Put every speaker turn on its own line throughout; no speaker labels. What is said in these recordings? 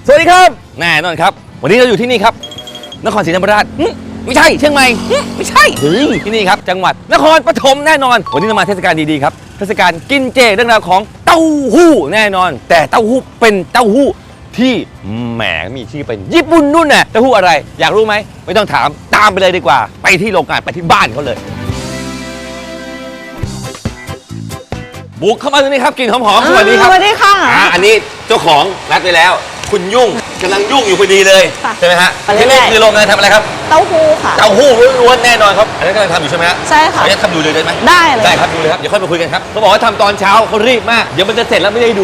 สวัสดีครับแน่นอนครับวันนี้เราอยู่ที่นี่ครับนครศรีธรรมราชไม่ใช่เชียงใหม่ไม่ใช่ที่นี่ครับจังหวัดนครปฐมแน่นอนวันนี้เรามาเทศกาลดีๆครับเทศกาลกินเจเรื่องราวของเต้าหู้แน่นอน แต่เต้าหู้เป็นเต้าหู้ที่แหมมีชื่อเป็นญี่ปุ่นนู่นน่ะเต้าหู้อะไรอยากรู้ไหมไม่ต้องถามตามไปเลยดีกว่าไปที่โรงงานไปที่บ้านเขาเลยบุกเข้ามาตรงนี้ครับกลิ่นหอมๆสวัสดีครับ
สวัสดีค่ะ
อันนี้เจ้าของนัดไปแล้วคุณยุ่งกำลังยุ่งอยู่พอดีเลยใช่ไหมฮะที่นี่คือโรงงานทำอะไรครับ
เต้าหู้ค่ะ
เต้าหู้ล้วนๆแน่นอนครับอันนี้กำลังทำอยู่ใช่ไหมฮะ
ใช่ค่ะ
ขออนุญาตทำดูเลยได้ไหม
ได้เลย
ได้ครับดูเลยครับเดี๋ยวค่อยมาคุยกันครับเขาบอกว่าทำตอนเช้าเขารีบมากเดี๋ยวมันจะเสร็จแล้วไม่ได้ดู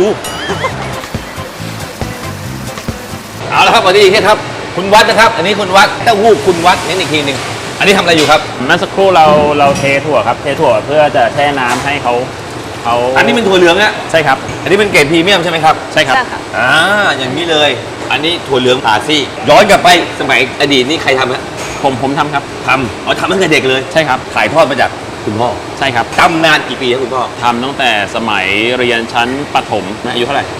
เอาละครับวันนี้อีกทีครับคุณวัดนะครับอันนี้คุณวัดเต้าหู้คุณวัดนี่อีกทีหนึ่งอันนี้ทำอะไรอยู่ครับ
เมื่อสักครู่เราเทถั่วครับเทถั่วเพื่อจะแช่น้ำให้เขา
อันนี้เป็นถั่วเหลืองอะ
ใช่ครับ
อันนี้เป็นเกรดพรีเมียมใช่ไหมครับ
ใช่ครับ
อย่างนี้เลยอันนี้ถั่วเหลืองผ่าซี่ย้อนกลับไปสมัยอดีตนี่ใครทำฮะ
ผมทำครับ
ทำตั้งแต่เด็กเลย
ใช่ครับ
ถ่ายทอดมาจากคุณพ่อ
ใช่ครับ
ทำนานกี่ปีครับคุณพ่อ
ทำตั้งแต่สมัยเรียนชั้นประถมอายุเท่าไหร่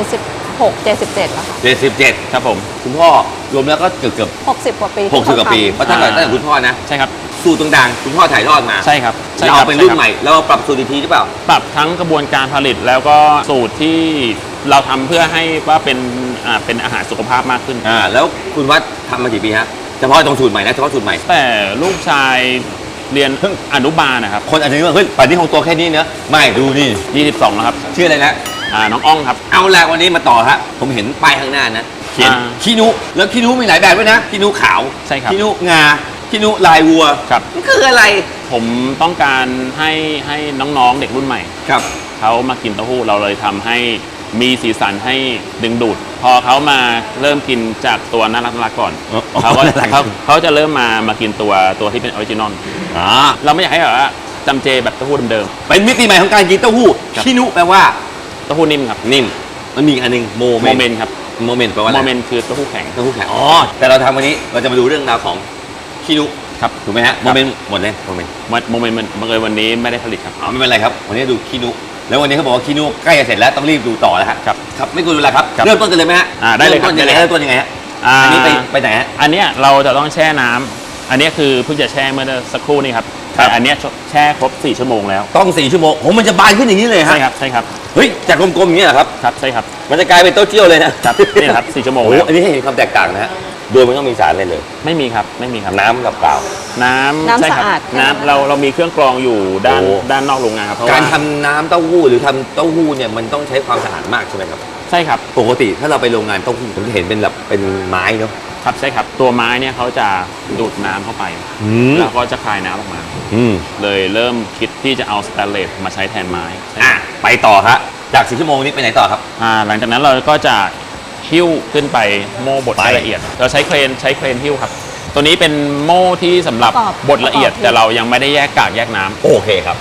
77แล้วค่ะ
77
ครับผม
คุณพ่อรวมแล้วก็เกือบ
60 กว่าปี
60 กว่าปีเพราะตั้งแต่คุณพ่อนะ
ใช่ครับ
สูตรต่างๆคุณพ่อถ่ายทอดมา
ใช่ครับ
เราเป็นรุ่นใหม่เราปรับสูตรอีกทีหรือเปล่า
ปรับทั้งกระบวนการผลิตแล้วก็สูตรที่เราทำเพื่อให้ว่าเป็นอาหารสุขภาพมากขึ้น
แล้วคุณวัดทำมากี่ปีฮะเฉพาะตรงสูตรใหม่นะเฉพาะสูตรใหม่
แต่ลูกชายเรียนเพิ่งอนุบาลนะครับ
คนอาจจะนึกว่าเฮ้ยป่านนี้คงตัวแค่นี้เนอะไม่ดูนี่
22แล้วครับ
ชื่ออะไรนะ
น้องอ้องครับ
เอาละวันนี้มาต่อฮะผมเห็นป้ายข้างหน้านะเขียนขี้นุแล้วขี้นุมีหลายแบบด้วยนะขี้นุขาว
ใช่ครับ
ขี้นุงาขี้นุลายวัว
ครับ
มันคืออะไร
ผมต้องการให้น้องๆเด็กรุ่นใหม่
ครับ
เขามากินเต้าหู้เราเลยทำให้มีสีสันให้ดึงดูดพอเขามาเริ่มกินจากตัวน่ารักก่อนเขาจะเริ่มมากินตัวที่เป็นออริจินอลเราไม่อยากให้แบบว่าจำเจแบบเต้าหู้เดิม
ๆเป็นมิติใหม่ของการกินเต้าหู้ขี้นุแปลว่า
เต้าหู้นิ่มครับ
นิ่มมันมีอันนึงโมเมนต์
ครับ
โมเมนต์แปลว่า
โมเมนต์คือเต้าหู้แข็ง
แต่เราทำวันนี้เราจะมาดูเรื่องราวของขี้นุ
ครับ
ถูกไหมฮะโมเมนต์หมดเลยโมเมนต์
มันบังเอิญวันนี้ไม่ได้ผลิตครับ
ไม่เป็นไรครับวันนี้ดูขี้นุแล้ววันนี้เขาบอกว่าขี้นุใกล้จะเสร็จแล้วต้องรีบดูต่อแล้วครับไม่ควรดูแลครับเริ่มต้นกันเลยไหมฮะ
ได้เลยครับ
เริ่มต้นยังไงฮะอันนี้ไปไหนฮะ
อันนี้เราจะต้องแช่น้ำอันนี้คือเพิ่งจะแช่เมื่อสักครู่นี้ครับแต่อันนี้แช่ครบ4 ชั่วโมงแล้ว
ต้อง4 ชั่วโมงมันจะบานขึ้นอย่างนี้เลยฮะ
ใช่ครับ
เฮ้ยจากกลมๆอย่างนี้เหรอครับ
ใช่ครับ
มันจะกลายเป็นเต้าเจี้ยวเลยนะครับ
นี่ครับ4 ชั่วโมง
แล้วอันนี้ให้เห็นความแตกต่างนะฮะโดยไม่ต้องมีสารอะไรเลย
ไม่มีครับ
น้ำกับเปล่า
น้ำ
สะอาด
น้ำเรามีเครื่องกรองอยู่ด้านนอกโรงงานครับ
การทำน้ำเต้าหู้หรือทำเต้าหู้เนี่ยมันต้องใช้ความสะอาดมากใช่ไหมครับ
ใช่ครับ
ปกติถ้าเราไปโรงงานเต้าหู้ผมจะเห็นเป็นแบบเป็นไม้เนาะ
ครับใช่ครับตัวไม้เนี่ยเขาจะดูดน้ำเข้าไปแล้วก็จะคายน้ำออกมาเลยเริ่มคิดที่จะเอาสแตนเลสมาใช้แทนไม้
ไปต่อครับจาก4 ชั่วโมงนี้ไปไหนต่อครับ
หลังจากนั้นเราก็จะหิ้วขึ้นไปโม่บดละเอียดเราใช้เครนหิ้วครับตัวนี้เป็นโม่ที่สำหรับบดละเอียดแต่เรายังไม่ได้แยกกากแยกน้ำ
โอเคครับ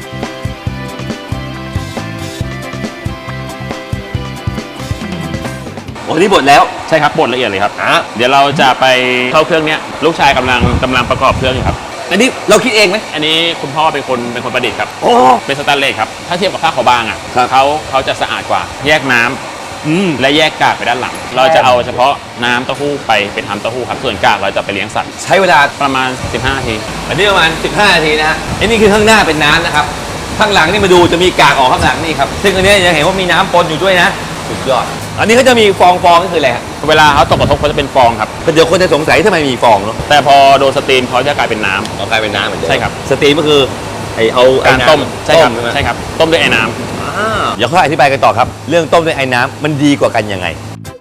วันนี้บดแล้ว
ใช่ครับบดละเอียดเลยครับเดี๋ยวเราจะไปเข้าเครื่องนี้ลูกชายกำลังประกอบเครื่องอยู่ครับ
อันนี้เราคิดเองไหม
อันนี้คุณพ่อเป็นคนประดิษฐ์ครับเป็นสแตนเลสครับถ้าเทียบกับผ้าขาวบางเขาจะสะอาดกว่าแยกน้ำและแยกกากไปด้านหลังเราจะเอาเฉพาะน้ำเต้าหู้ไปทำเต้าหู้ครับส่วนกากเราจะไปเลี้ยงสัตว์
ใช้เวลา
ประมาณ15 นาที
อันนี้ประมาณ15 นาทีนะฮะอันนี้คือข้างหน้าเป็นน้ำนะครับข้างหลังนี่มาดูจะมีกากออกข้างหลังนี่ครับซึ่งอันนี้จะเห็นว่ามีน้ำปนอยู่ด้วยนะสุดยอดอันนี้เขาจะมีฟองนี่คืออะไรฮะ
เวลาเขาตกกระทบเขาจะเป็นฟองครับ
เดี๋ยวคนจะสงสัยทำไมมีฟองเนาะ
แต่พอโดนสตรีมเขาจะกลายเป็นน้ำ
กลายเป็นน้ำเหมือนเดิม
ใช่ครับ
สตรีมก็คือเอา
การต้มใช่ครับต้มด้วยไอ้น้
ำเดี๋ยวเขาอธิบายกันต่อครับเรื่องต้มด้วยไอ้น้ำมันดีกว่ากันยังไง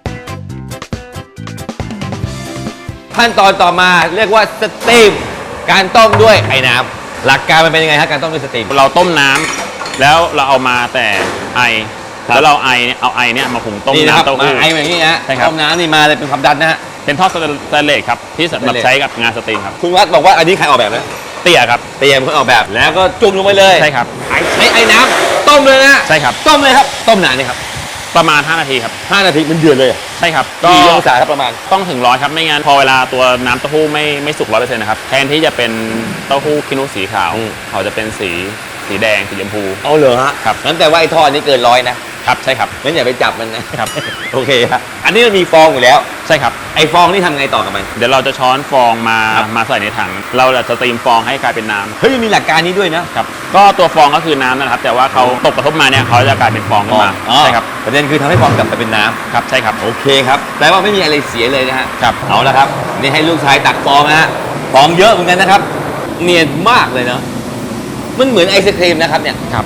ขั้นตอนต่อมาเรียกว่าสตรีมการต้มด้วยไอ้น้ำหลักการมันเป็นยังไงฮะการต้มด้วยสตรีม
เราต้มน้ำแล้วเราเอามาแต่ไอแล้วเราเอาไอเนี่ยมาหุงต้มน้ำเต้าหู้
ไอแบบนี้นะต้มน้ำนี่มาเลยเป็นความดันนะฮะ
เป็นท่อสแตนเลสครับที่สำหรับใช้กับงานสตรีมครับ
คุณวัดบอกว่าอันนี้ใครออกแบบนะ
เตี่ยครับ
เตี่ยเป็นคนออกแบบแล้วก็จุ่มลงไปเลย
ใช่ครับ
ใช้ไอ้น้ำต้มเลยนะ
ใช่ครับ
ต้มเลยครับต้มนานนี่ครับ
ประมาณ5 นาทีครับ
5 นาทีมันเดือดเลย
ใช่ครับ
กี่องศาครับประมาณ
ต้องถึง100ครับไม่งั้นพอเวลาตัวน้ำเต้าหู้ไม่สุก100%นะครับแทนที่จะเป็นเต้าหู้ขี้นุสีขาวเขาจะเป็นสีแดงสีชมพู
เอาเหรอฮะ
ครับ
งั้นแต่ว่าไอ้ทอดนี้เกิน100นะครับ
ใช่ครับ
งั้นอย่าไปจับมันนะครับโอเคครับอันนี้มันมีฟองอยู่แล้ว
ใช่ครับ
ไอ้ฟองนี่ทำไงต่อกับมัน
เดี๋ยวเราจะช้อนฟองมาใส่ในถัง เราจะสตรีมฟองให้กลายเป็นน้ำ
เฮ้ยมันมีหลักการนี้ด้วยนะครับ
ก็ตัวฟองก็คือน้ำนะครับ แต่ว่าเขาตกกระทบมาเนี่ยเขาจะกลายเป็นฟองขึ้นมา
อ๋อ
ใช่ครับ
ประเด็นคือทำให้ฟองกลับไปเป็นน้ำ
ครับใช่ครับ
โอเคครับแปลว่าไม่มีอะไรเสียเลยนะฮะ
ครับ
เอาละครับนี่ให้ลูกชายตักฟองนะฮะฟองเยอะเหมือนกันนะครับ เนียนมากเลยเนาะมันเหมือนไอศครีมนะครับเนี่ย
ครับ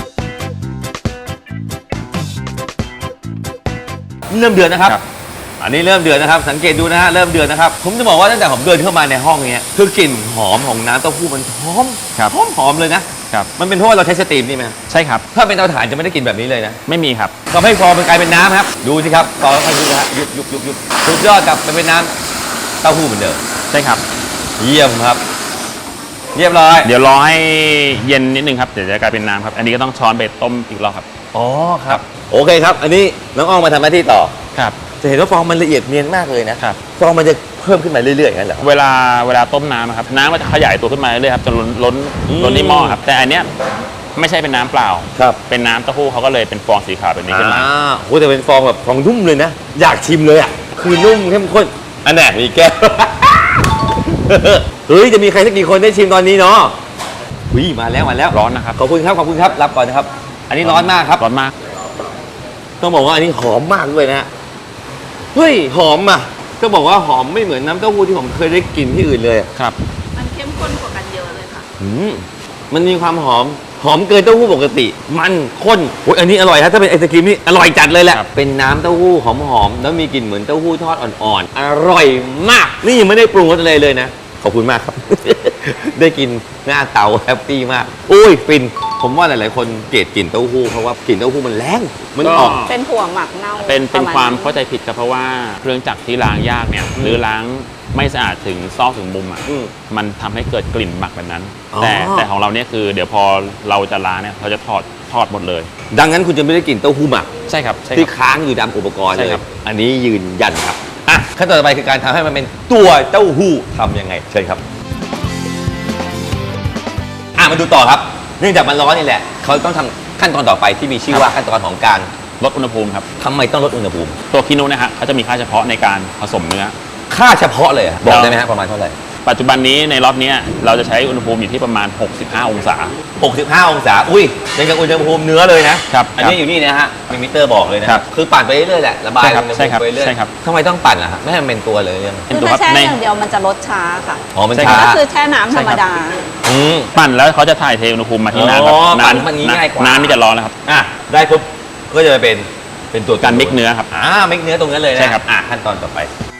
เริ่มเดือดนะครับ
ครับ
อันนี้เริ่มเดือดนะครับ สังเกตดูนะฮะเริ่มเดือดนะครับ ผมจะบอกว่าตั้งแต่ผมเดินเข้ามาในห้องเนี้ยคือกลิ่นหอมของน้ำเต้าหู้มันหอม
ครับ
หอมเลยนะครับ มันเป็นเพราะว่าเราใช้สตรีมนี่ไหม
ใช่ครับ
ถ้าเป็นเตาถ่านจะไม่ได้กลิ่นแบบนี้เลยนะ
ไม่มีครับ
ทำให้ฟองมันกลายเป็นน้ำครับดูสิครับฟองค่อยๆยุบนะฮะยุบสุดยอดกลับไปเป็นน้ำเต้าหู้เหมือนเดิม
ใช่ครับ
เยี่ยมครับ เรียบร้อย
เดี๋ยวรอให้เย็นนิดนึงครับ เดี๋ยวจะกลายเป็นน้ำครับ อันนี้ก็ต้องช้อนไปต้มอีกรอบครับ
อ๋อครับโอเคครับ อันนี้น้องอ้อมมาทำหน้าที่ต่อ
ครับ
จะเห็นว่าฟองมันละเอียดเนียนมากเลยนะครับ ฟองมันจะเพิ่มขึ้นมาเรื่อยๆอย่างนั้นเหรอ
เวลาต้มน้ำอะครับ น้ำมันจะขยายตัวขึ้นมาเรื่อยๆครับจนล้นที่หม้อครับ แต่อันเนี้ยไม่ใช่เป็นน้ำเปล่า
ครับ
เป็นน้ำเต้าหู้เขาก็เลยเป็นฟองสีขาวแบบนี้ขึ้นมา
โหแต่เป็นฟองแบบฟองนุ่มเลยนะ อยากชิมเลยอ่ะ คือนุ่มเข้มข้น อันไหนมีแก้ว เฮ้ย จะมีใครสักกี่คนได้ชิมตอนนี้เนาะวิมาแล้ว
ร้อนนะครับ
ขอบคุณครับ รับก่อนนะครับ อันนี้ร้อนมากครับ
ร้อนมาก
ต้องบอกว่าอันนี้หอมมากด้วยนะฮะ เฮ้ย หอมอ่ะต้องบอกว่าหอมไม่เหมือนน้ำเต้าหู้ที่ผมเคยได้กินที่อื่นเลยอะ
ครับ
มันเข้มข้นกว่ากันเยอะเลยค่ะ
มันมีความหอมเกินเต้าหู้ปกติ มันข้นโอ้ยอันนี้อร่อยครับถ้าเป็นไอศกรีมนี่อร่อยจัดเลยแหละ
ครับ
เป็นน้ำเต้าหู้หอมๆแล้วมีกลิ่นเหมือนเต้าหู้ทอดอ่อนๆ อร่อยมาก นี่ยังไม่ได้ปรุงรสอะไรเลยนะ ขอบคุณมากครับ ได้กินหน้าเตาแฮปปี้มากอุ้ยฟิน ผมว่าหลายๆคนเกลียดกลิ่นเต้าหู้เพราะว่ากลิ่นเต้าหู้มันแรงมันออก
เป็นถั่วหมักเน่า
เป็น
ประณ
ความเข้าใจผิดครับเพราะว่าเครื่องจักรที่ล้างยากเนี่ยหรือล้างไม่สะอาดถึงซอกถึงมุมอ่ะ
อืม
มันทำให้เกิดกลิ่นหมักแบบนั้น
อ๋อ
แต่ของเราเนี่ยคือเดี๋ยวพอเราจะล้างเนี่ยเราจะถอดหมดเลย
ดังนั้นคุณจะไม่ได้กลิ่นเต้าหู้หมัก
ใช่ครับใช่
ที่
ครับ
ค้างอยู่ตามอุปกรณ์
ใช่
เลย
ครับ
อันนี้ยืนยันครับอ่ะขั้นตอนต่อไปคือการทำให้มันเป็นตัวเต้าหู้ทำยังไงเชิญครับมาดูต่อครับ เนื่องจากมันร้อนนี่แหละเขาต้องทำขั้นตอนต่อไปที่มีชื่อว่าขั้นตอนของการ
ลดอุณหภูมิครับ
ทำไมต้องลดอุณหภูมิ
ตัวคิโนะนะฮะเขาจะมีค่าเฉพาะในการผสมเนื้อ
ค่าเฉพาะเลยอะบอกได้ไหมฮะประมาณเท่าไหร่
ปัจจุบันนี้ในรอบเนี้ยเราจะใช้อุณหภูมิอยู่ที่ประมาณ 65 องศา
65 องศาอุ้ยยังกับอุณหภูมิเนื้อเลยนะครับ อันนี้อยู่นี่นะฮะมีมิเตอร์บอกเลยนะครับ คือปั่นไปเรื่อยๆแหละระบาย
ใช่ครับ
อุณห
ใช่
ภู
ครับ
มิไปเรื่อย
ใช่ครับ
ทำไมต้องปั่นล่ะฮะไม่ให้มันเป็นตัวเลยเนี่ย
เป็น
คือ
ตัว
ถ้า
ครับ
แช่
ใน
อย่างเดียวมันจะลดช้าค่ะ
อ๋อมัน
ใช่
ช้า
ก็คือแช่น้ำธรรมดา
อืม
ปั่นแล้วเขาจะถ่ายเทอุณหภูมิมาที่น้ำครับ
อ๋อปั่น
น้ำ
มันง่ายกว่า
น้ำนี่จะร้อนแล้วครับ
อ่ะได้ปุ๊บก็จะเป็นตัว
การมิกเนื้อครับ
มิกเนื้อตรงนั้นเลยนะ
ใช่ครับ
ขั้นตอนต่อไป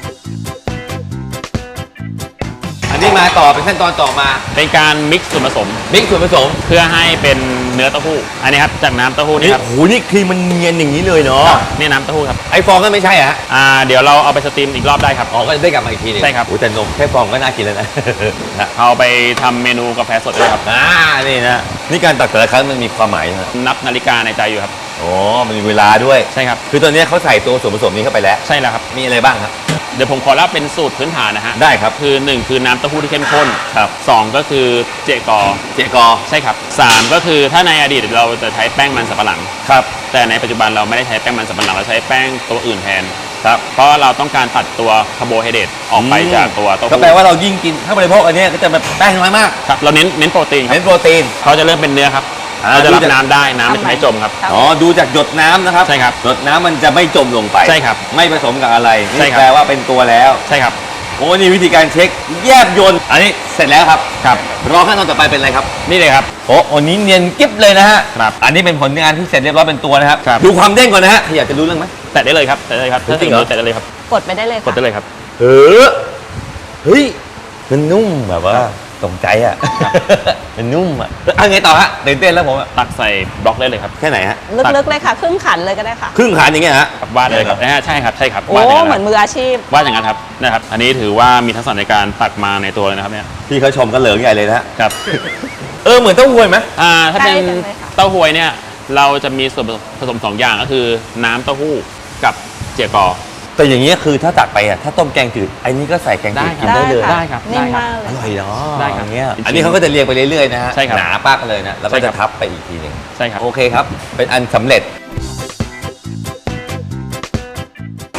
อันนี้มาต่อเป็นขั้นตอนต่อมา
เป็นการมิกซ์ส่วนผสม
มิกส่วนผสม
เพื่อให้เป็นเนื้อเต้าหู้ อันนี้ครับจากน้ำเต้าหู้นี่
นี่
ครับ
โหนี่ครีมมันเนียนอย่างนี้เลยเนาะ
นี่น้ำเต้าหู้ครับ
ไอฟองก็ไม่ใช่อะฮะ
เดี๋ยวเราเอาไปสตรีมอีกรอบได้ครับ
อ๋อก็ได้กลับมาอีกทีหนึง
ใช่ครับ
โอ้แต่นมแค่ฟองก็น่ากินแล้วนะ นะ
เอาไปทำเมนูกาแฟสดด้วยครับ
นี่นะนี่การตักแต่ละครั้งมันมีความหมายนะ
นับนาฬิกาในใจอยู่ครับ
อ๋อมันมีเวลาด้วย
ใช่ครับ
คือตอนนี้เขาใส่ตัวส่วนผสมนี้เข้าไปแล้ว
ใช่แล้วครับ
มีอะไรบ้างครับ
เดี๋ยวผมขอเล่าเป็นสูตรพื้นฐานนะฮะ
ได้ครับ
คือ1คือน้ำเต้าหู้ที่เข้มข้น
ครับ
2ก็คือเจกอ
เจกอ
ใช่ครับ3ก็คือถ้าในอดีตเราจะใช้แป้งมันสำปะหลัง
ครับ
แต่ในปัจจุบันเราไม่ได้ใช้แป้งมันสำปะหลังเราใช้แป้งตัวอื่นแทนครับเพราะเราต้องการตัดตัวคาร์โบไฮเดรตออกไปจากตัวเต้า
ก็
หู้
แปลว่าเรายิ่งกินถ้าบริโภคอันเนี้ยก็จะแบบแป้งน้อยมาก
ครับเราเน้นโปรตีนครับ
เน้นโปรตีน
เขาจะเริ่มเป็นเนื้อครับ
อ่า
เราจะรับ
ดูจาก
น้ำได้น้ำมันจะไม่จมครับ
ครับ
อ๋อดูจากหยดน้ำนะครับ
ใช่ครับ
หยดน้ำมันจะไม่จมลงไป
ใช่ครับ
ไม่ผสมกับอะไร
ใช่
นี่
ครับ
แปลว่าเป็นตัวแล้ว
ใช่ครับ
โอ้นี่วิธีการเช็คแยบยนต์อันนี้เสร็จแล้วครับ
ครับ
รอขั้นตอนต่อไปเป็นอะไรครับ
นี่เลยครับ
โอ้อันนี้เนียนกิ๊บเลยนะฮะ
ครับ
อันนี้เป็นผลงานที่เสร็จเรียบร้อยเป็นตัวนะครับ
ครับ
ดูความเด้งก่อนนะฮะอยากจะรู้เรื่องไหม
แตะได้เลยครับแตะได้เลยครับ
จริงเหรอ
แตะได้เลยครับ
กดไปได้เลย
กด
ค่ะ
ได้เลยครับ
เฮ้ยมันนุ่มแบบว่าตรงใจอ่ะ มันนุ่มอ่ะเอาไงต่อฮะตื่นเต้นแล้วผมอะ
ตักใส่บล็อกได้เลยครับ
แค่ไหนฮะ
ลึกๆเลยค่ะครึ่งขันเลยก็ได้ค่ะ
ครึ่งขานอย่างเงี้ยฮะ
ครับวาดเลยครับใช่ครับใช่ครับ
โอ้
วาดอย่าง
เหมือน
นั้น
มืออาชีพ
วาดอย่างนั้นครับนะครับ อันนี้ถือว่ามีทักษะในการตักมาในตัวเลยนะครับเนี่ย
พี่เขาชมกันเหลืองใหญ่เลยนะฮะ
ครับ
เหมือนเต้าหู้ไหม
ถ้าเป็น
ใกล้กันเลยค่ะ
เต้าหวยเนี่ยเราจะมีส่วนผสม2อย่างก็คือน้ำเต้าหู้กับเจียกอ
แต่อย่างเงี้ยคือถ้าตักไปอ่ะถ้าต้มแกงจืดอันนี้ก็ใส่แกงจืดกินได้เลย
ค่ะ
ได้ครับ
นิ่ม
ได้ครับ
มากเล
อย ร่อยเนาะ
ได้ครับ
อย่างเงี้ย
จริงๆ
อันนี้เขาก็จะเรียงไปเรื่อยๆนะฮะ
ใช่ครับ
หนาปักเลยนะแล้วก็
ใช่ครั
จะ
บ
ทับไปอีกทีหนึ่ง
ใช่ครับ
โอเคครับ เป็นอันสำเร็จ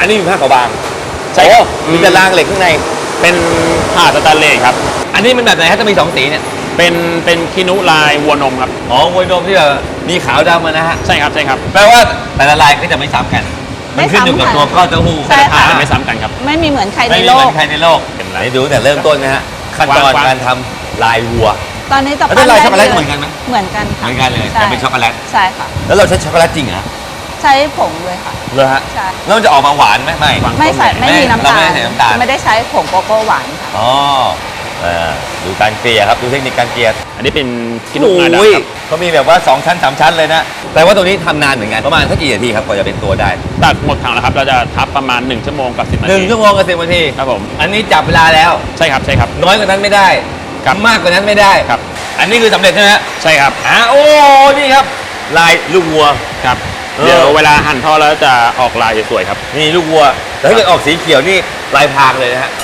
อันนี้มีผ้าขาวบาง
ใช่ครับ
มีแต่รางเหล็กข้างใน
เป็นผ้าสแตนเลสครับ
อันนี้มันแบบไหนฮะจะมี2สีเนี่ย
เป็นคินุลายวัวนมครับ
อ๋อมวยนมที่แบบมีขาวดำนะฮะ
ใช่ครับใช่ครับ
แปลว่าแต่ละลายก็จะไม่ซ้ำกัน มันขึ้นอยู่กับตัวก้อนเต้าหู้
ใช่ค่ะ
ไม่ซ้ำกันครับ
ไม่มีเหมือนใครใน
ไม่มี
โล
เหมื
ก
อนใครในโลก
เป็นไร
ไหนดูตั้งแต่เริ่มต้นนะฮะขั้นตอน
วาง
การทำลายวัว
ตอนนี้จะ
แล้วเป็นลายช็อกโกแลตเหมือนกันไหม
เหมือนกัน
เห
ค่ะ
มือนกันเลย
ใช่
แต่เป็นช็อกโกแลต
ใช่ค่ะ
แล้วเราใช้ช็อกโกแลตจริงเหรอ
ใช้ผงเลยค่ะ
เลยฮะ
ใช่
แล้วมันจะออกมาหวานไหมไม่
ไม่ใส่ไม่มีน้ำตาล
เราไม่ได้ใส่น้ำตาล
ไม่ได้ใช้ผงโกโก้หวานค่ะ
อ๋อดูการเกลี่ยครับดูเทคนิคการเกลี่ย
อันนี้เป็นคินุ
โอ้
งาดำ
ย
ครับ
เขามีแบบว่า2ชั้น3ชั้นเลยนะแต่ว่าตรงนี้ทำนานเหมือนกันประมาณสักกี่นาทีครับกว่าจะเป็นตัวได้
ตัดหมดถังแล้วครับเราจะทับประมาณ1ชั่วโมงกับ10นาที
1 ชั่วโมงกับ10 นาที
ครับผม
อันนี้จับเวลาแล้ว
ใช่ครับใช่ครับ
น้อยกว่านั้นไม่ได้
ครับ
มากกว่านั้นไม่ได้
ครับ
อันนี้คือสำเร็จใช่ไหมฮะ
ใช่ครับ
โอ้นี่ครับลายลูกวัว
ครับ
เออ
เดี๋ยวเวลาหั่นทอดแล้วจะออกลายสวยๆครับ
นี่ลูกวัวแต่ถ้าเกิดออกสีเขียวนี่ลายพรางเลยนะฮะ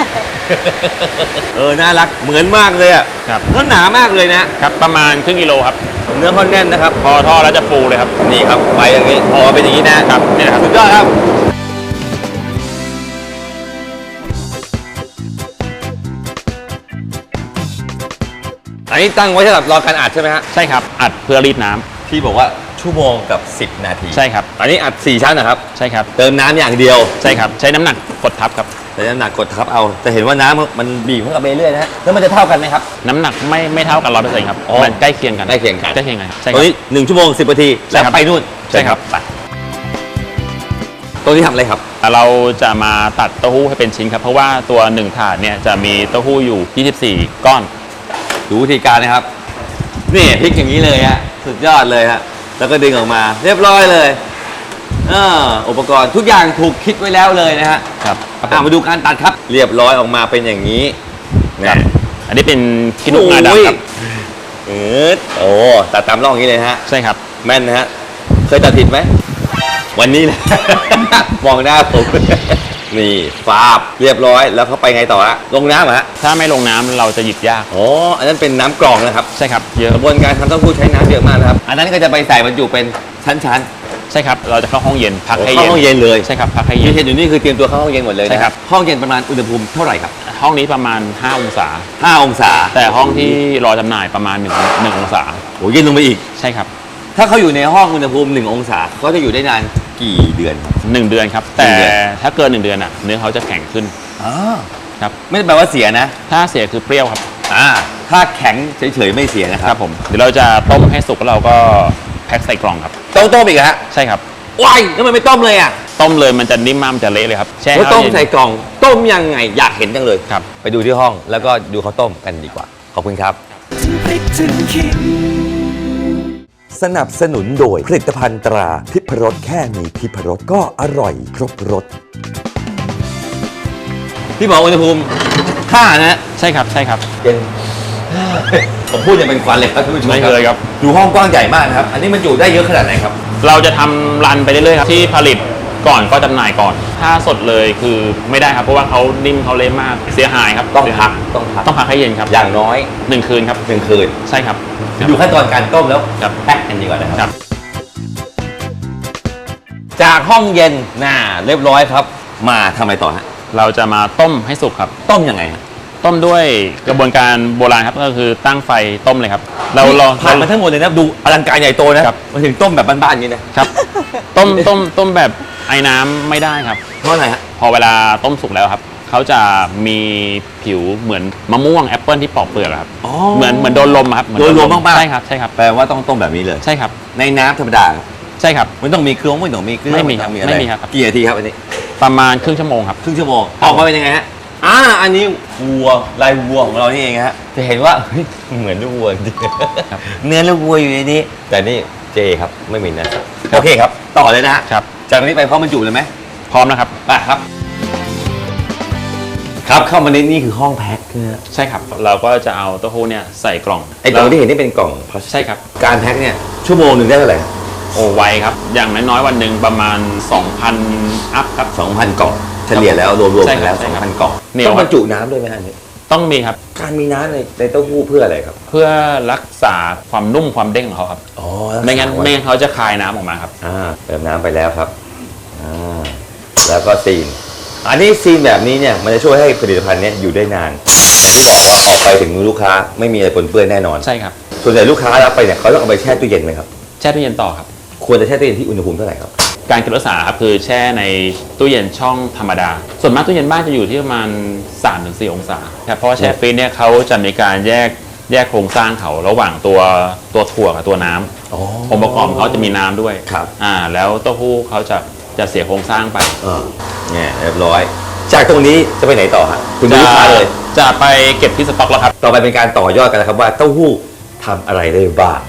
น่ารักเหมือนมากเลยอ่ะ
ครับ
แล้วหนามากเลยนะ
ครับประมาณครึ่งกิโลครับ
เนื้อเขาแน่นนะครับ
พอทอดแล้วจะฟูเลยครับ
นี่ครับไปอย่างนี้พอเป็นอย่างนี้นะครับ
นี่แหละครับ
สุดยอดครับอันนี้ตั้งไว้สำหรับรอการอัดใช่ไหมฮะ
ใช่ครับอัดเพื่อรีดน้ำ
ที่บอกว่าชั่วโมงกับ 10 นาที
ใช่ครับ
อันนี้อัด4ชั้นนะครับ
ใช่ครับ
เติมน้ำอย่างเดียว
ใช่ครับใช้น้ำหนักกดทับครับ
ใช้น้ำหนักกดทับเอาจะเห็นว่าน้ำมันบีบเข้ากับไปเรื่อยๆนะฮะแล้วมันจะเท่ากันไหมครับ
น้ำหนักไม่เท่ากัน100%ครับ
อ๋อ
มันใกล้เคียงกัน
ใกล้เคียงกัน
ใกล้เคียงกันครับใช่ค
ตร
รั
ง
บ
นี้1 ชั่วโมง 10 นาที
ใช่
แล้ว
ครับ
ไปนู่น
ใช่ครับ
ไปตรงนี้ทำอะไรครับ
เราจะมาตัดเต้าหู้ให้เป็นชิ้นครับ เพราะว่าตัว1ถาดเนี่ยจะมีเต้าหู้อยู่24ก้อน
ดูวิธีการนะครับ นี่พลิกอย่างนี้เลยฮะสุดยอดเลยฮะแล้วก็ดึงออกมาเรียบร้อยเลยอุปกรณ์ทุกอย่างถูกคิดไว้แล้วเลยนะฮะ
ครับ
มาดูการตัดครับ เรียบร้อยออกมาเป็นอย่างนี้
ครับอันนี้เป็นคินุงาดำครับ
โอ้ตัดตามร่องอย่างนี้เลยฮะ
ใช่ครับ
แม่นนะฮะเคยตัดผิดไหมวันนี้แหละ มองหน้าผม นี่ฟาบเรียบร้อยแล้วเขาไปไงต่อฮะลงน้ำเหรอฮะ
ถ้าไม่ลงน้ำเราจะหยิบยาก
อ๋ออันนั้นเป็นน้ำกรองนะครับ
ใช่ครับเยอะ
กระบวนการทำเต้าหู้ใช้น้ำเยอะมากนะครับ อันนั้นก็จะไปใส่บรรจุเป็นชั้น
ใช่ครับเราจะเข้าห้องเย็น
ๆ
พักให้
เข้า
เย็น
ห้องเย็นเลย
ใช่ครับพักให้
ที่
เย็น
เห็นอยู่นี่คือเตรียมตัวเข้าห้องเย็นหมดเลยนะ
ใช่ครับ
ห้องเย็นประมาณอุณหภูมิเท่าไหร่ครับ
ห้องนี้ประมาณ5องศา
5 องศา
แต่ห้องที่รอจำหน่ายประมาณ1องศา
โอ้เย็นลงไปอีก
ใช่ครับ
ถ้าเขาอยู่ในห้องอุณหภูมิ1 องศาเขาจะอยู่ได้นานกี่เดือนครับ
1 เดือนครับ
หนึ่
แต่
งเดือน
ถ้าเกิน1 เดือนเนื้อเขาจะแข็งขึ้น
อ๋อ
ครับ
ไม่ได้แปลว่าเสียนะ
ถ้าเสียคือเปรี้ยวครับ
ถ้าแข็งเฉยๆไม่เสียนะค
ค
รั
รับ บผมเดี๋ยวเราจะต้มให้สุกแล้วเราก็แพ็คใส่กล่องครับ
ต้องต้มอีกฮะ
ใช่ครับ
ว้ายแล้วมันไม่ต้มเลยอ่ะ
ต้มเลยมันจะนิ่มมากมันจะเละเลยครับแช่
เขาต้ม
เย็น
ใส่กล่องต้มยังไงอยากเห็นจังเลย
ครับ
ไปดูที่ห้องแล้วก็ดูเขาต้มกันดีกว่า ขอบคุณครับ สนับสนุนโดยผลิตภัณฑ์ตราทิพรสแค่มีทิพรสก็อร่อยครบรสพี่บอกอุณหภูมิ5นะ
ใช่ครับใช่ครับ
เย็น ผมพูดยังเป็นควันเลยครับท่านผู้ชม
ไม่เคยครับ
ดูห้องกว้างใหญ่มากนะครับ อันนี้มันอยู่ได้เยอะขนาดไหนครับ
เราจะทำรันไปเรื่อยๆครับที่ผลิตก่อนก็จำหน่ายก่อน ถ้าสดเลยคือไม่ได้ครับเพราะว่าเขานิ่มเขาเละมากเสียหายครับ
ต้อง
เสีย
พั
หาก ย
ต้องพัก
ต้องพักให้เย็นครับ
อย่างน้อย
1 คืนครับ
1 คืน
ใช่ครับ
ดูขั้นตอนการต้มแล้ว
ครับ
แพ็คกันดีกว่านะค
ค
รั
รับ บ
จากห้องเย็นเรียบร้อยครับ มาทำอะไรต่อฮะ
เราจะมาต้มให้สุกครับ
ต้มยังไงฮะ
ต้มด้วยกระบวนการโบราณครับก็คือตั้งไฟต้มเลยครับเราลอง
ผ่านมาทั้งหมดเลยนะดูอลังการใหญ่โตนะครับ มาถึงต้มแบบบ้านๆอย่างนี้นะครับ
ต้มแบบไอ้น้ำไม่ได้ครับ
เพราะอะไรฮะ
พอเวลาต้มสุกแล้วครับเขาจะมีผิวเหมือนมะม่วงแอปเปิลที่ปอกเปลือกอะครับ
อ๋อ
เหมือนโดนลมอะครับเหมือน
โดนลมมากๆ
ใช่ครับใช่ครับ
แปลว่าต้องต้มแบบนี้เลย
ใช่ครับ
ในน้ำธรรมดา
ใช่ครับ
ไม่ต้องมีเครื่องไม่ต้องมีเครื่อง
ไม่มีครับ
ต้องอะไร
ไม่มีครับ
กี่นาทีครับอันนี้
ประมาณครึ่งชั่วโมงครับ
ครึ่งชั่วโมง
ครับ
ออกมาเป็นยังไงฮะอันนี้วัวลายวัวของเรานี่เองฮะจะเห็นว่าเฮ้ยเหมือนลูกวัวจริงๆเนื้อลูกวัวอยู่ในนี้ แต่นี่เจครับไม่มีนะโอเคครับ ต่อเลยนะฮะ
ครับ
จากนี้ไปพร้อมบรรจุเลยไหม
พร้อมนะครับ
ครับ ครับเข้ามาในนี่คือห้องแพ็คนะฮะ
ใช่ครับ เราก็จะเอาเต้าหู้เนี่ยใส่กล่อง
ไอ้กล่องที่เห็นนี่เป็นกล่องพลาสติก
ใช่ครับ
การแพ็คเนี่ยชั่วโมงหนึ่งได้เท่าไหร่
โอ้ไวครับ อย่างน้อยๆวันหนึ่งประมาณ 2,000 อัพครับ
2,000 กล่องเฉลี่ยแล้วรวมๆ
ใช่
กัน
ครับ
แล้ว
ใช่ครับ
2,000 กล่อง
เหนียว
ต้องบรรจุน้ำด้วยไหมฮะอันนี้
ต้องมีครับ
การมีน้ำในเต้าหู้เพื่ออะไรครับ
เพื่อรักษาความนุ่มความเด้งของเขาครับ
อ๋อ
ไม่งั้นเขาจะคายน้ำออกมาครับ
เติมน้ำไปแล้วครับแล้วก็ซีน อันนี้ซีนแบบนี้เนี่ยมันจะช่วยให้ผลิตภัณฑ์เนี้ยอยู่ได้นานอย่างที่บอกว่าออกไปถึงมือลูกค้าไม่มีอะไรปนเปื้อนแน่นอน
ใช่ครับ
ส่วนใหญ่ลูกค้ารับไปเนี่ยเขาต้องเอาไปแช่ตู้เย็นไหมครับ
แช่ตู้เย็นต่อครับ
ควรจะแช่ตู้เย็นที่อุณหภูมิเท่าไหร่ครับ
การเก็บรักษาครับคือแช่ในตู้เย็นช่องธรรมดา ส่วนมากตู้เย็นบ้านจะอยู่ที่ประมาณ 3-4 องศาครับเพราะว่าแช่ฟรีซเนี่ยเขาจะมีการแยกโครงสร้างเขาระหว่างตัวถั่วกับตัวน้ำองค์ประกอบเขาจะมีน้ำด้วย
ครับ
แล้วเต้าหู้เขาจะเสียโครงสร้างไป
เนี่ยเรียบร้อย จากตรงนี้จะไปไหนต่อฮะคุณดูลูกค้าเลย
จะไปเก็บที่สต็อกแล้วครับ
ต่อไปเป็นการต่อยอดกันนะครับว่าเต้าหู้ทำอะไรได้บ้าง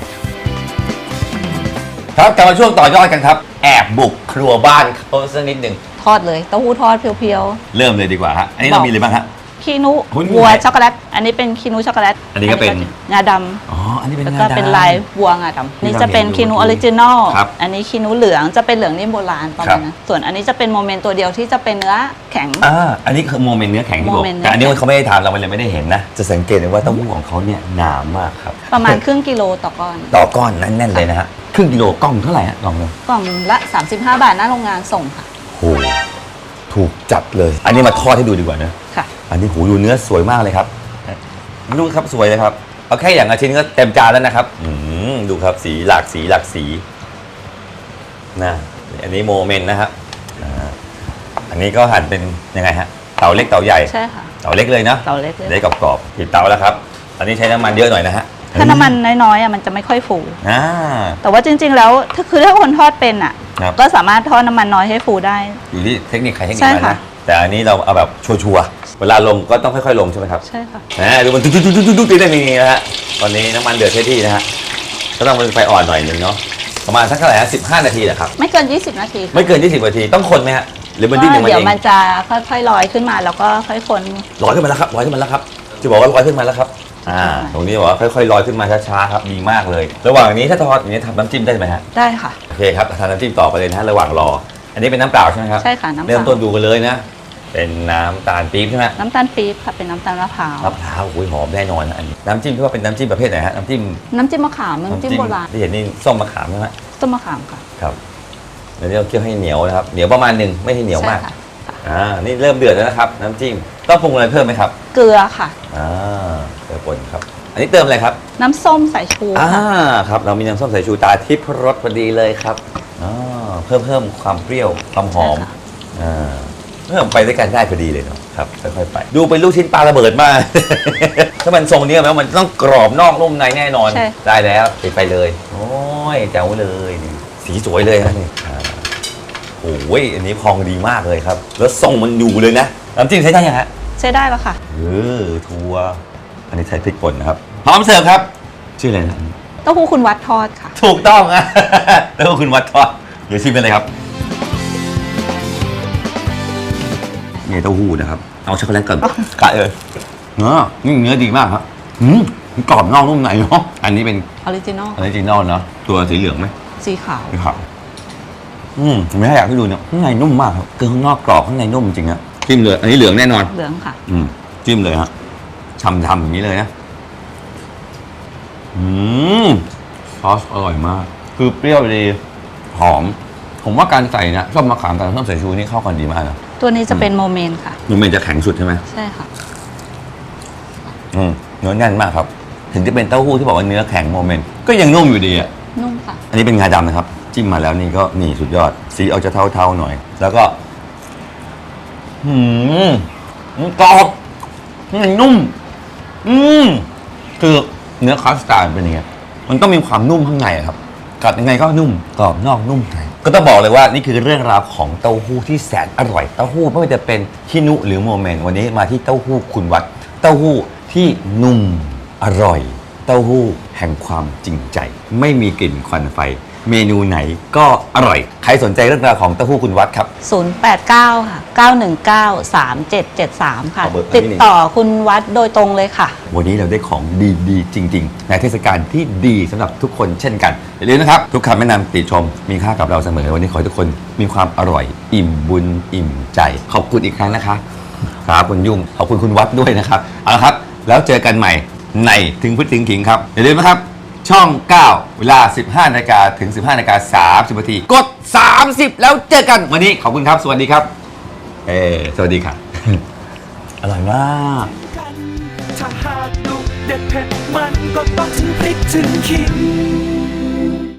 ครับกลับมาช่วงต่อยอดกันครับ แอบบุกครัวบ้านเขาสักนิดหนึ่ง
ทอดเลยเต้าหู้ทอดเพียว
เริ่มเลยดีกว่าฮะอันนี้เรามีอะไรบ้างฮะ
ๆคีนุ
หุ้น
วัว
ไหน
ช็อกโกแลตอันนี้เป็นคีนุช็อกโกแลต
อันนี้ก็เป็น
งาด
อ๋ออันนี้เป็
ำ
น
แล้วก็เป็นลายวัวงาดำนี่จะเป็นคีนุออริจินอล
ครับ
อันนี้คีนุเหลืองจะเป็นเหลืองนิ่มโบราณประ
ครั
มา
บ
ณนั้นส่วนอันนี้จะเป็นโมเมนต์ตัวเดียวที่จะเป็นเนื้อแข็ง
อันนี้คือโมเมนต์เนื้อแข็งที่บอก
โมเมนต์เนื้อ
แต่อันนี้เขาไม่ได้ทำเราเลยไม่ได้เห็นนะ จะสังเกตเลยว่าเต้าหู้ของเขาเนี่ยหนามากครับ
ประมาณครึ่งกิโลต่อก้อน
ต่อก้อนแน่นๆเลยนะฮะครึ่งกิโลกล่องเท่าไหร่ฮะกล่องนึง
กล่องละ 35 บาทหน้าโรงงานส่งค่ะ
โหถูกจัดเลย อันนี้มาทอดให้ดูดีกว่านะ
ค่ะ
อันนี้หูดูเนื้อสวยมากเลยครับดูครับสวยเลยครับเอาแค่อย่างละชิ้นก็เต็มจานแล้วนะครับดูครับสีหลากสีนะอันนี้โมเมนต์นะครับอันนี้ก็หั่นเป็นยังไงฮะเตาเล็กเตาใหญ่
ใช่ค่ะ
เตาเล็กเลยนะ
เตาเล็กเลย
ได้กรอบๆติดเตาแล้วครับอันนี้ใช้น้ำมันเยอะหน่อยนะฮะ
ถ้าน้ำมันน้อยๆมันจะไม่ค่อยฟู
อ่า
แต่ว่าจริงๆแล้วถ้าคนทอดเป็น
ครับ
ก็สามารถทอดน้ำมันน้อยให้ฟูได้
อยู่ที่เทคนิคใครเทคนิค
ใช่
มัน
ค่ะ
นะแต่อันนี้เราเอาแบบชัวร์ๆเวลาลงก็ต้องค่อยๆลงใช่ไหมครับ
ใช่ค่ะ
ดูมันตุ๊ดๆๆๆๆได้อย่างนี้นะฮะตอนนี้น้ำมันเดือดเท่ที่นะฮะก็ต้องเป็นไฟอ่อนหน่อยหนึงเนาะประมาณสักเท่าไหร่ฮะ15 นาทีแหละครับ
ไม่เกิน 20 นาทีค่ะ
ไม่เกิน20 นาทีต้องคนไหมฮะหรือมันดิ้นของมัน
เดี๋
เอย ง
วมันจะค่อยๆลอยขึ้นมาแล้วก็ค่อยคน
ลอยขึ้นมาแล้วครับลอยขึ้นมาแล้วครับจะบอกว่าลอยขึ้นมาแล้วครับตรงนี้บอกว่าค่อยๆลอยขึ้นมาช้าๆครับดีมากเลย ระหว่างนี้ถ้าทอดอย่างนี้ทำน้ำจิ้มได้ไหมฮะ
ได้ค่ะ
โอเคครับทำน้ำจิ้มต่อไปเลยนะฮะระหว่างรอ อันนี้เป็นน้ำเปล่าใช่ไหมครับ
ใช่ค่ะน้ำเปล่า
เริ่มต้นดูกันเลยนะ เป็นน้ำตาลปี๊บใช่ไหม
น้ำตาลปี๊บค่ะเป็นน้ำตาลมะพร้าว
มะพร้าวโอ้ยหอมแน่นอนนะอันนี้น้ำจิ้มที่ว่าเป็นน้ำจิ้มประเภทไหนฮะน้ำจิ้ม
น้ำจิ้มมะขามน้ำจิ้มโบราณ
ที่เห็นนี่ส้มมะขามใช่ไหม
ต้มมะขามค่ะ
ครับเดี๋ยวนี้เราเคี่ยวให้เหนียวนะครับเหนียวประมาณหนึ่งไม่ให้เหนียวมาก
ใช่ค่ะ
นี่เริ่มเดือดแล้วนะครับ น้ำจิ้มต้องปรุงอะไรเพิ่มไหมครับ
เกลือค่ะ
เกลือป่นครับ อันนี้เติมอะไรครับ
น้ำส้มสายชูค่ะ
ครับเรามีน้ำส้มสายชูตาทิพย์รสพอดีเลยครับเพิ่มความเปรี้ยวความหอม
ใช่ค่ะ
เพิ่มไปด้วยกันได้พอดีเลยเนาะครับค่อยๆไปดูเป็นลูกชิ้นปลาระเบิดมาก ถ้ามันทรงนี้แล้วมันต้องกรอบนอกนุ่มในแน่นอน
ใช่
ได้แล้วไปเลย โอ้ยแจ๋วเลยนี่สีสวยเลยฮะนี่โอ้ยอันนี้พองดีมากเลยครับ แล้วทรงมันอยู่เลยนะน้ำจิ้มใช้ได้ยังฮะ
ใช้ได้แล้วค่ะ
ทัวร์อันนี้ใช้พริกป่นนะครับพร้อมเสิร์ฟครับชื่ออะไรนะ
เต้าหู้คุณวัดทอดค่ะ
ถูกต้องอะ แล้วก็คุณวัดทอดเดี๋ยวชิมกันเลยครับนี่เต้าหู้นะครับเอาช็อกโกแลตก่อนกะเลยเนื้อดีมากครับกรอบนอกนุ่มในเนาะอันนี้เป็น
ออริจินอล
ออริจินอลเนาะตัวสีเหลืองไหม
สีขาว
สีขาวไม่ให้อยากให้ดูเนี่ยข้างในนุ่มมากครับคือข้างนอกกรอบข้างในนุ่มจริงนะจิ้มเลยอันนี้เหลืองแน่นอน
เหลืองค่ะ
จิ้มเลยฮะทำอย่างนี้เลยนะซอสอร่อยมาก คือเปรี้ยวดีหอม ผมว่าการใส่นะส้มมะขามกับส้มสายชูนี่เข้ากันดีมากนะ
ตัวนี้จะเป็นโมเมนต์ค่ะ
มันจะแข็งสุดใช่ไหม
ใช่ค่ะ
เนื้อแน่นมากครับ ถึงจะเป็นเต้าหู้ที่บอกว่าเนื้อแข็งโมเมนต์ก็ยังนุ่มอยู่ดีอ่ะ
นุ่มค่ะ
อันนี้เป็นงาดำนะครับ จิ้มมาแล้วนี่ก็นี่สุดยอด สีออกจะเทาๆหน่อย แล้วก็กรอบนุ่มคือเนื้อคัสตาร์ดเป็นยังไงมันก็มีความนุ่มข้างในอะครับกัดยังไงก็นุ่มกรอบนอกนุ่มในก็ต้องบอกเลยว่านี่คือเรื่องราวของเต้าหู้ที่แสนอร่อยเต้าหู้ไม่ว่าจะเป็นฮินุหรือโมเมนต์วันนี้มาที่เต้าหู้คุณวัดเต้าหู้ที่นุ่มอร่อยเต้าหู้แห่งความจริงใจ ไม่มีกลิ่นควันไฟ เมนูไหนก็อร่อยใครสนใจเรื่องราวของเต้าหู้คุณวัดครับ
089 ค่ะ 919 3773 ค่ะ
ขอเบอร์
ติดต่อคุณวัดโดยตรงเลยค่ะ
วันนี้เราได้ของดีๆ จริง ๆ ในเทศกาลที่ดีสำหรับทุกคนเช่นกันอย่าลืมนะครับ ทุกคำแนะนำติชมมีค่ากับเราเสมอวันนี้ขอให้ทุกคนมีความอร่อย อิ่มบุญอิ่มใจ ขอบคุณอีกครั้งนะคะครับคุณยุ่งขอบคุณคุณวัดด้วยนะครับเอาละครับ แล้วเจอกันใหม่ในถึงพุทธถึงขิงครับอย่าลืมนะครับช่อง 9 เวลา 15 นาฬิกาถึง 15 นาฬิกา 30 นาที กด 30 แล้วเจอกัน วันนี้ขอบคุณครับ สวัสดีครับ สวัสดีค่ะ อร่อยมาก
ถ้าหากดุเด็ดเผ็ดมันก็ต้องถึงพริกถึงขิง